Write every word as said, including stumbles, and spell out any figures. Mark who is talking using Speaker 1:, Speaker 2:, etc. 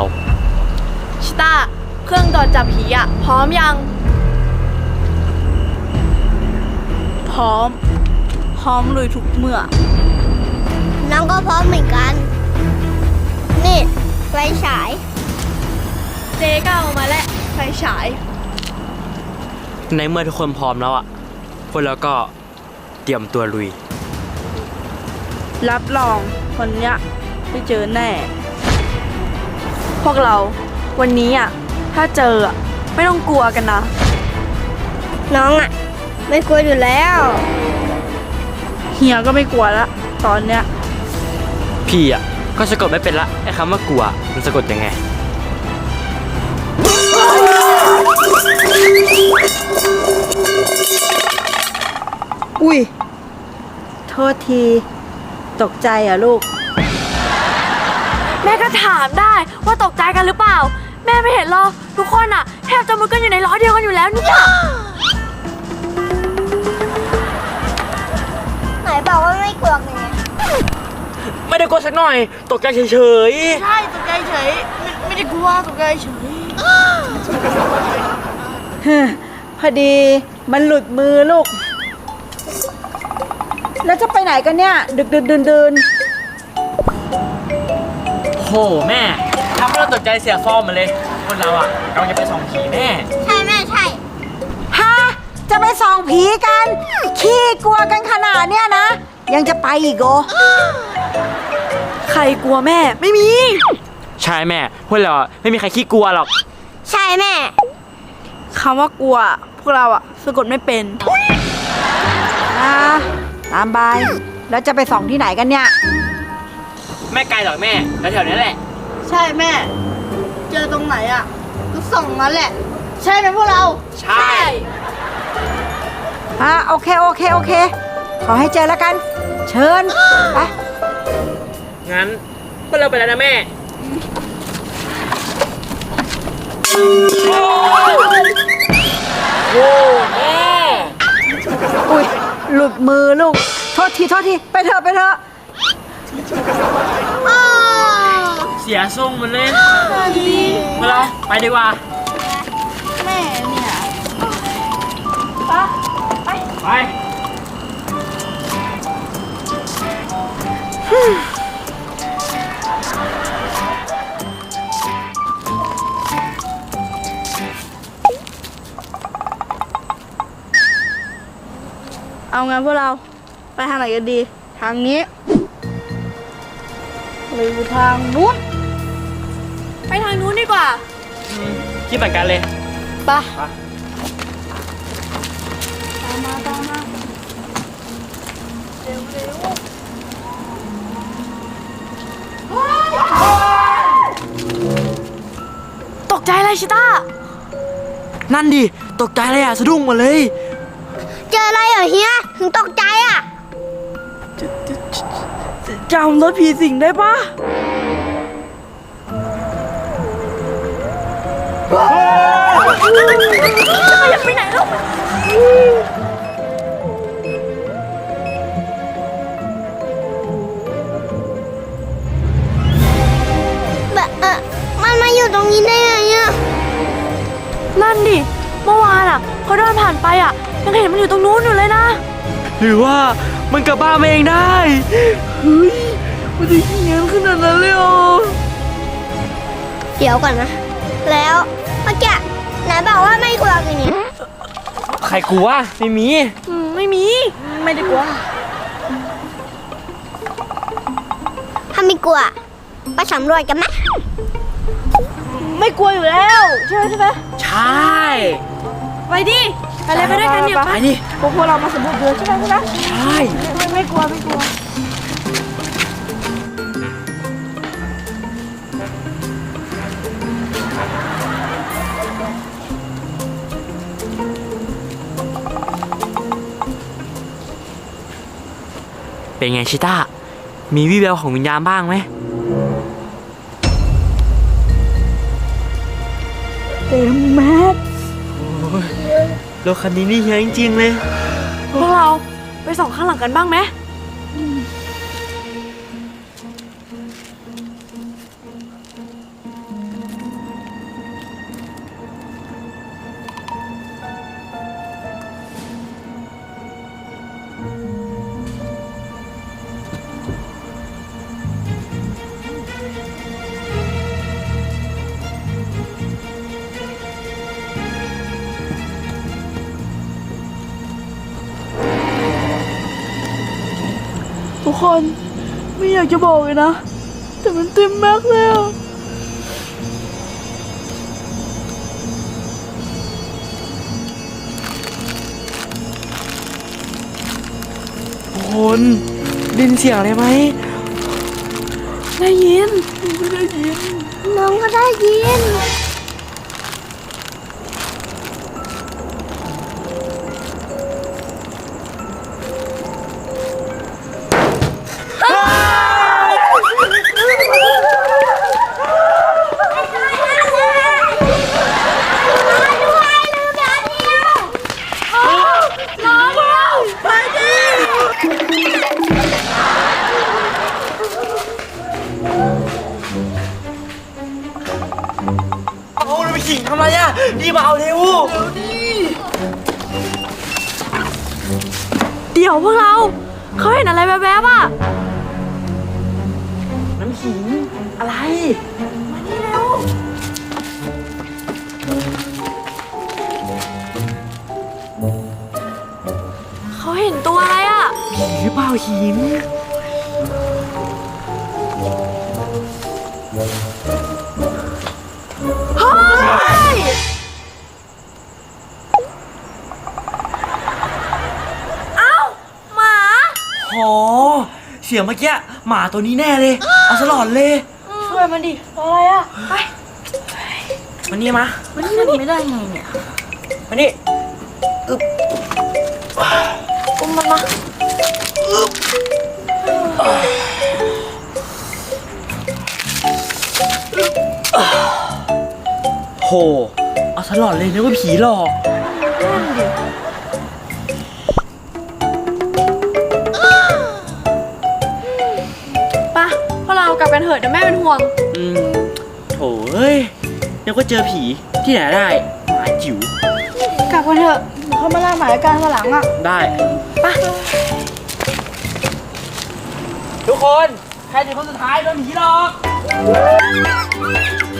Speaker 1: ชิต้าเครื่องตรวจจับผีอะพร้อมยัง
Speaker 2: พร้อม พร้อมลุยทุกเมื่อ
Speaker 3: น้องก็พร้อมเหมือนกัน นี่ไฟฉาย
Speaker 1: เจ๊ก็เอามาแล้วไฟฉาย
Speaker 4: ในเมื่อทุกคนพร้อมแล้วอ่ะพวกเราก็เตรียมตัวลุย
Speaker 2: รับรองคนเนี้ยได้เจอแน่ พวกเราวันนี้อ่ะถ้าเจออ่ะไม่ต้องกลัวกันนะ
Speaker 3: น้องอ่ะ ไม่กลัวอยู่แล้ว
Speaker 2: เฮียก็ไม่กลัวละตอนเนี้ย
Speaker 4: พี่อ่ะก็สะกดไม่เป็นละไอ้คำว่ากลัวมันสะกดยังไง
Speaker 5: อุ้ยโทษทีตกใจเหรอ่ะลูก
Speaker 1: แม่ก็ถามได้ว่าตกใจกันหรือเปล่า แม่ไม่เห็นหรอกทุกคนอะแทบจะมุดกันอยู่ในล้อเดียวกันอยู่แล้วเนี่ย
Speaker 3: ไหนบอกว่าไม่กลัวไง
Speaker 4: ไม่ได้กลัวสักหน่อยตกใจเฉย
Speaker 2: ใช่ตกใจเฉยไม่ไม่ได้กลัวตกใจเฉย
Speaker 5: พอดีมันหลุดมือลูก แล้วจะไปไหนกันเนี่ย ดึกดึกเดินเดิน
Speaker 4: ๆโหแม่ทำให้เราตกใจเสียฟอร์มมาเลยคนเราอ่ะกำลังจะไปส่องผีแม่
Speaker 3: ใช่แม่ใช่
Speaker 5: ฮะจะไปส่องผีกัน ขี้กลัวกันขนาดเนี้ยนะ ยังจะไปอีกโอ
Speaker 1: ใครกลัวแม่ไม่มี
Speaker 4: ใช่แม่พวกเราอะไม่มีใครขี้กลัวหรอก
Speaker 3: ใช่แม่
Speaker 2: คำว่ากลัวพวกเราอ่ะสะกดไม่เป็น
Speaker 5: อ่าตามบาย แล้วจะไปส่องที่ไหนกันเนี่ย
Speaker 4: ไม่ไกลหรอกแม่แถวๆนี้แหละ
Speaker 2: ใช่แม่ เจอตรงไหนอ่ะก็ส่องนั้นแหละ ใช่ไหมพวกเรา
Speaker 4: ใช่
Speaker 5: อ่าโอเคโอเคโอเค ขอให้เจอแล้วกัน เชิญ ไป
Speaker 4: งั้นพวกเราไปแล้วนะแม่โอ้แม่
Speaker 5: อุ้ยหลุดมือลูก โทษทีโทษที ไปเถอะไปเถอะ
Speaker 4: เสียทรงหมันเลยพวกเราไปดีกว่า
Speaker 2: แม่เนี่ย
Speaker 4: ไป
Speaker 2: เอางั้นพวกเราไปทางไหนกันดี ทางนี้หรือทางนู้น
Speaker 1: ไปทางนู้นดีกว่า
Speaker 4: คิดเหมือนกันเลย
Speaker 1: ไปะ
Speaker 2: ตามมาตามมาเร็วเร็ว
Speaker 1: ตกใจอะไรชิต้า
Speaker 4: นั่นดิ ตกใจเลยอ่ะ สะดุ้งหมดเลย
Speaker 3: เจออะไรเหรอเฮีย ถึงตกใจอ่ะ
Speaker 2: จำรถผีสิงได้ปะ
Speaker 1: อย่าไปไหนลูก
Speaker 3: แบบเออมันมาอยู่ตรงนี้ได้ไงอ่ะ
Speaker 1: นั่นดิ เมื่อวานอะเขาเดินผ่านไปอะยังเห็นมันอยู่ตรงนู้นอยู่เลยนะ
Speaker 4: หรือว่ามันกลับบ้านมาเองได้
Speaker 2: เฮ้ยมันจะเฮี้ยนขนาดนั้นเลยเหรอ
Speaker 3: เดี๋ยวก่อนนะ แล้วเมื่อกี้ไหนบอกว่าไม่กลัวกันนี่
Speaker 4: ใครกลัวไม่มี
Speaker 1: อืม ไม่มี
Speaker 2: ไม่ได้กลัว
Speaker 3: ถ้าไม่กลัวไปสำรวจกันไหม
Speaker 2: ไม่กลัวอยู่แล้วใช่ไหมใช่ไหม
Speaker 4: ใช่
Speaker 1: ไปดิ ไปเลยไปด้วยกันเนี่ย
Speaker 4: ไปดิ
Speaker 2: พวกพวกเรามาสำรวจเดือนใช่ไหมใช่ไหม
Speaker 4: ใช่
Speaker 2: ไม่ไม่กลัวไม่กลัว
Speaker 4: เป็นไงชิต้า มีวี่แววของวิญญาณบ้างไหม
Speaker 2: เต็มแม็ก
Speaker 4: รถคันนี้นี่เฮียจริงๆเลย
Speaker 1: พวกเราไปส่องข้างหลังกันบ้างไหม
Speaker 2: เกคนไม่อยากจะบอกเลยนะ แต่มันเต็มแม็กซ์เลยอะ
Speaker 4: คนได้ยินเสียงอะไรไหม
Speaker 2: ได้ยิน
Speaker 3: น้องก็ได้ยิน
Speaker 4: เอาเราไปขิงทำไรอ่ะรีบมาเอาเร็ว
Speaker 1: เดี๋ยวพวกเรา เขาเห็นอะไรแวบๆอ่ะ
Speaker 4: น้ำขิงอะไร
Speaker 1: เขาเห็นตัวอะไรอ่ะ
Speaker 4: ผีหรือเปล่าหิน
Speaker 1: เฮ้ย เอ้า หมา
Speaker 4: โหเสียงเมื่อกี้หมาตัวนี้แน่เลย เอาสลอดเลย
Speaker 2: ช่วยมันดิอะไรอะไป
Speaker 4: มันนี่มา
Speaker 2: มันขึ้นไม่ได้ไงเนี่ย
Speaker 4: มานี่
Speaker 2: อุ้มมันมา
Speaker 4: โหเอาสลอดเลยนึกว่าผีหลอก
Speaker 2: ไปะพวกเรากลับกันเถอะเดี๋ยวแม่เป็นห่วง
Speaker 4: อืมโถเอ้ยนึกว่าเจอผีที่ไหนได้หมาจิ๋ว
Speaker 2: กลับกันเถอะเดี๋ยวเขามาล่าหมายการวันหลังอะ
Speaker 4: ได้
Speaker 2: ไป
Speaker 4: ทุกคน ใครจะคนสุดท้ายโดนผีหลอก